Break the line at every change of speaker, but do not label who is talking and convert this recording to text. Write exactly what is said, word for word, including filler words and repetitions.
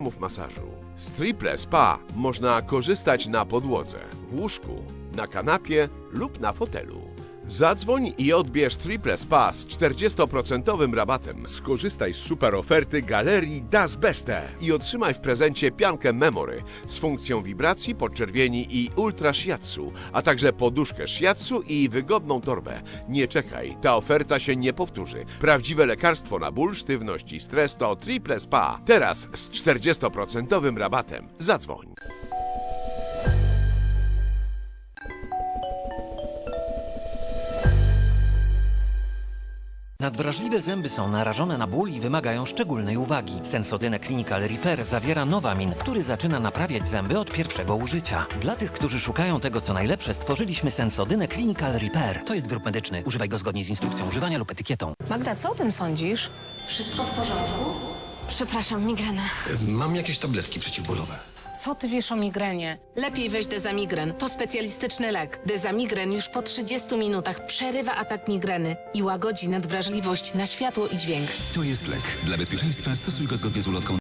formów masażu. Z Triple Spa można korzystać na podłodze, w łóżku, na kanapie lub na fotelu. Zadzwoń i odbierz Triple Spa z czterdziestoprocentowym rabatem. Skorzystaj z super oferty Galerii Das Beste i otrzymaj w prezencie piankę Memory z funkcją wibracji, podczerwieni i ultra shiatsu, a także poduszkę shiatsu i wygodną torbę. Nie czekaj, ta oferta się nie powtórzy. Prawdziwe lekarstwo na ból, sztywność i stres to Triple Spa. Teraz z czterdziestoprocentowym rabatem. Zadzwoń.
Nadwrażliwe zęby są narażone na ból i wymagają szczególnej uwagi. Sensodyne Clinical Repair zawiera Novamin, który zaczyna naprawiać zęby od pierwszego użycia. Dla tych, którzy szukają tego, co najlepsze, stworzyliśmy Sensodynę Clinical Repair. To jest wyrób medyczny. Używaj go zgodnie z instrukcją używania lub etykietą.
Magda, co o tym sądzisz?
Wszystko w porządku?
Przepraszam, migrena.
Mam jakieś tabletki przeciwbólowe.
Co ty wiesz o migrenie?
Lepiej weź Dezamigren. To specjalistyczny lek. Dezamigren już po trzydziestu minutach przerywa atak migreny i łagodzi nadwrażliwość na światło i dźwięk.
To jest lek. Dla bezpieczeństwa stosuj go zgodnie z ulotką